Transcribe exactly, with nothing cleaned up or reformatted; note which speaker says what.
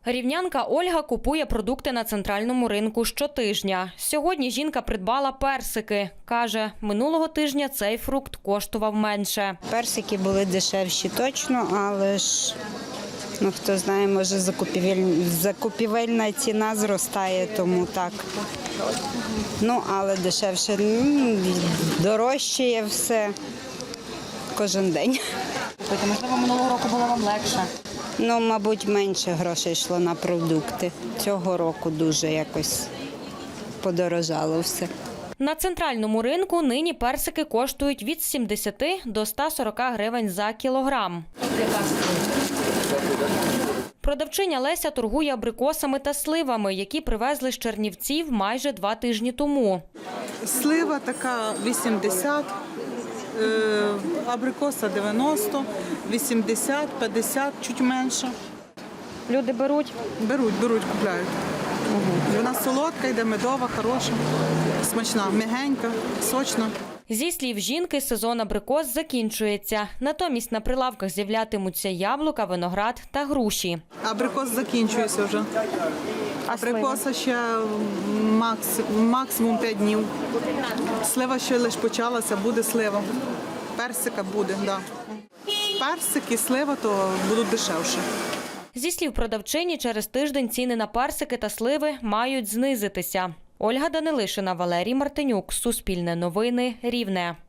Speaker 1: Рівнянка Ольга купує продукти на центральному ринку щотижня. Сьогодні жінка придбала персики. Каже, минулого тижня цей фрукт коштував менше.
Speaker 2: Персики були дешевші точно, але ж, ну хто знає, може закупівель... закупівельна ціна зростає, тому так. Ну, але дешевше, дорожчає все кожен день.
Speaker 1: Тобто, можливо, минулого року було вам легше?
Speaker 2: Ну, мабуть, менше грошей йшло на продукти. Цього року дуже якось подорожало все.
Speaker 1: На центральному ринку нині персики коштують від сімдесяти до ста сорока гривень за кілограм. Продавчиня Леся торгує абрикосами та сливами, які привезли з Чернівців майже два тижні тому.
Speaker 3: Слива така вісімдесят, абрикоса дев'яносто, вісімдесят, п'ятдесят, чуть менше.
Speaker 1: Люди беруть?
Speaker 3: Беруть, беруть, купляють. Угу. Вона солодка, йде медова, хороша, смачна, м'ягенька, сочна.
Speaker 1: Зі слів жінки, сезон абрикос закінчується. Натомість на прилавках з'являтимуться яблука, виноград та груші.
Speaker 3: Абрикос закінчується вже. Абрикоса ще макс, максимум п'ять днів. Слива ще лише почалася, буде слива. Персика буде, так. Да. Персик і слива то будуть дешевші.
Speaker 1: Зі слів продавчині, через тиждень ціни на персики та сливи мають знизитися. Ольга Данилишина, Валерій Мартинюк. Суспільне новини. Рівне.